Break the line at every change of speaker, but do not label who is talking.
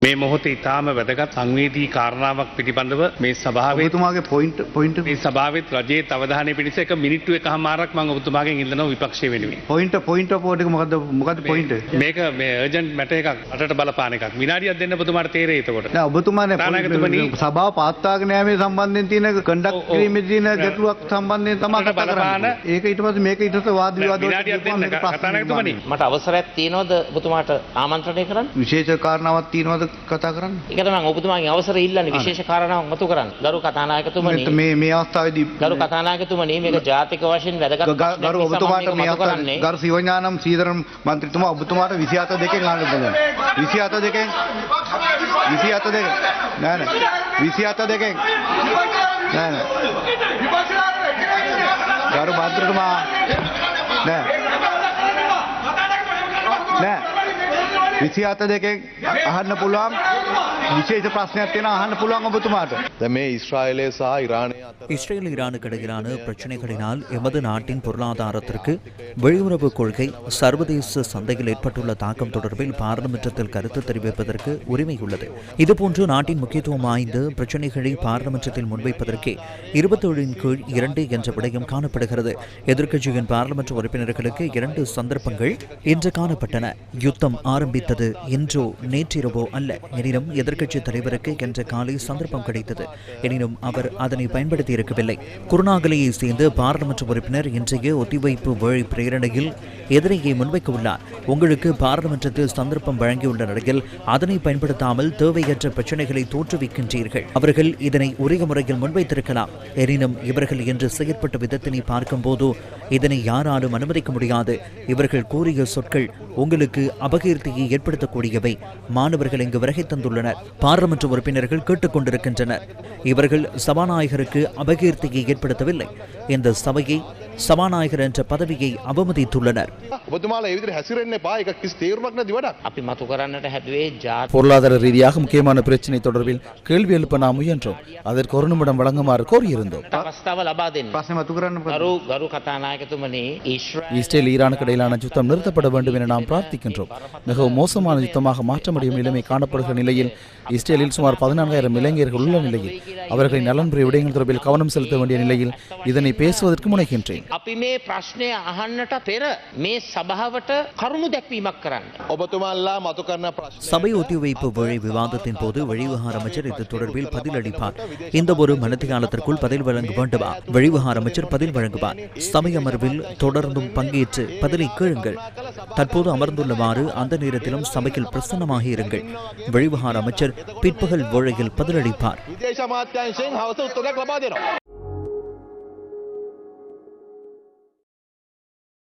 මේ මොහොතේ ඉතාම වැදගත් සංවේදී කාරණාවක් පිළිබඳව මේ සභාවේ
ඔබතුමාගේ පොයින්ට්
මේ සභාවෙත් රජයේ අවධානය පිණිස එක මිනිත්තු එකමාරක් මම ඔබතුමාගෙන් ඉල්ලනවා විපක්ෂයේ වෙනුවෙන්.
පොයින්ට් ඔෆ් ඕඩර් එක මොකද්ද පොයින්ට්?
මේක මේ අර්ජන්ට් මැටර් එකක් රටට බලපාන එකක්. විනාඩියක් දෙන්න ඔබතුමාට තේරෙයි එතකොට.
නෑ ඔබතුමානේ සභාව පාත්තාගෙන යාමේ සම්බන්ධයෙන් තියෙන කන්ඩක්ට් කිරීමේ තියෙන ගැටලුවක් සම්බන්ධයෙන් තමයි කතා කරන්නේ. ඒක ඊට පස්සේ මේක ඊට පස්සේ වාද විවාද
විනාඩියක් දෙන්න කතානායකතුමනි.
මට අවසරයක් තියෙනවද ඔබතුමාට ආමන්ත්‍රණය කරන්න?
විශේෂ කාරණාවක් තියෙනවද කතා කරන්න?
ඒක තමයි ඔබතුමාගෙන් අවසරය ඉල්ලන්නේ විශේෂ කාරණාවක් මතු කරන්න. ගරු කතානායකතුමනි
මේ අවස්ථාවේදී
ගරු කතානායකතුමනි මේක ජාතික වශයෙන් වැදගත්
ගරු ඔබතුමාට මේ අවස්ථාවේ ගරු සිවඥානම් සීදරම් මන්ත්‍රීතුමා ඔබතුමාට 27 දෙකෙන් අහන්න පුළුවන්. 27 දෙකෙන් නෑ 27 දෙකෙන් නෑ ගරු මන්ත්‍රීතුමා නෑ 27 දෙකෙන් අහන්න පුළුවන් විශේෂ ප්‍රශ්නයක් තියෙනවා අහන්න පුළුවන් ඔබතුමාට.
දැන් මේ ඊශ්‍රායලය සහ ஈரானය අතර
இஸ்ரேல் ஈரானுக்கு இடையிலான பிரச்சினைகளினால் எமது நாட்டின் பொருளாதாரத்திற்கு வெளியுறவு கொள்கை சர்வதேச சந்தையில் ஏற்பட்டுள்ள தாக்கம் தொடர்பில் பாராளுமன்றத்தில் கருத்து தெரிவிப்பதற்கு உரிமை உள்ளது. இதுபோன்று நாட்டின் முக்கியத்துவம் வாய்ந்த பிரச்சினைகளை பாராளுமன்றத்தில் முன்வைப்பதற்கே 27 என்ற விடயம் காணப்படுகிறது. எதிர்க்கட்சியின் பாராளுமன்ற உறுப்பினர்களுக்கு 2 சந்தர்ப்பங்கள் இன்று காணப்பட்டன. யுத்தம் ஆரம்பித்தது இன்றோ நேற்றிரவோ அல்ல. எனினும் எதிர்க்கட்சி தலைவருக்கு என்ற காலை சந்தர்ப்பம் கிடைத்தது. எனினும் அவர் அதனை பயன்படுத்தி இருக்கவில்லை. குருநாகலையை சேர்ந்த பாராளுமன்ற உறுப்பினர் இன்றைய ஒத்திவைப்பு வேளை பிரேரணையில் எதிரையை முன்வைக்க உள்ளார். உங்களுக்கு பாராளுமன்றத்தில் சந்தர்ப்பம் வழங்கியுள்ள நிலையில் அதனை பயன்படுத்தாமல் தேவையற்ற பிரச்சனைகளை தோற்றுவிக்கின்றீர்கள். அவர்கள் இதனை உரிய முறையில் முன்வைத்திருக்கலாம். எனினும் இவர்கள் என்று செயற்பட்ட விதத்தினை பார்க்கும் போது இதனை யாராலும் அனுமதிக்க முடியாது. இவர்கள் கூறிய சொற்கள் உங்களுக்கு அபகீர்த்தியை ஏற்படுத்தக்கூடியவை. மாணவர்கள் இங்கு வருகை தந்துள்ளனர். பாராளுமன்ற உறுப்பினர்கள் கேட்டுக்கொண்டிருக்கின்றனர். இவர்கள் சபாநாயகருக்கு அபகீர்த்தியை ஏற்படுத்தவில்லை. இந்த சபையை சபாநாயகர் என்ற பதவியை அவமதித்துள்ளனர்.
பொருளாதார ரீதியாக முக்கியமான பிரச்சினை தொடர்பில் கேள்வி எழுப்ப நாம் முயன்றோம். அதற்கு ஒரு நிமிடம் வழங்குமாறு கோரியிருந்தோம். இஸ்ரேல் ஈரானுக்கு இடையிலான யுத்தம் நிறுத்தப்பட வேண்டும் என நாம் பிரார்த்திக்கின்றோம். மிகவும் மோசமான யுத்தமாக மாற்ற முடியும் நிலைமை காணப்படுகிற நிலையில் இஸ்ரேலில் சுமார் 14,000 இளைஞர்கள் உள்ள நிலையில் அவர்களின் நலன்புரிய விடயங்கள் தொடர்பில் கவனம் செலுத்த வேண்டிய நிலையில் இதனை பேசுவதற்கு முனைகின்றேன்.
சபை ஒத்திவைப்பு வேளை விவாதத்தின் போது வெளிவிவகார அமைச்சர் இது தொடர்பில் பதிலளிப்பார். இந்த ஒரு மணித்தியாலத்திற்குள் பதில் வழங்க வேண்டுமா? வெளிவிவகார அமைச்சர் பதில் வழங்குவார். சபை அமர்வில் தொடர்ந்தும் பங்கேற்று பதிலை கேளுங்கள். தற்போது அமர்ந்துள்ளவாறு அந்த நேரத்திலும் சபையில் பிரசன்னமாக இருங்கள். வெளிவிவகார அமைச்சர் பிற்பகல் வேளையில் பதிலளிப்பார்.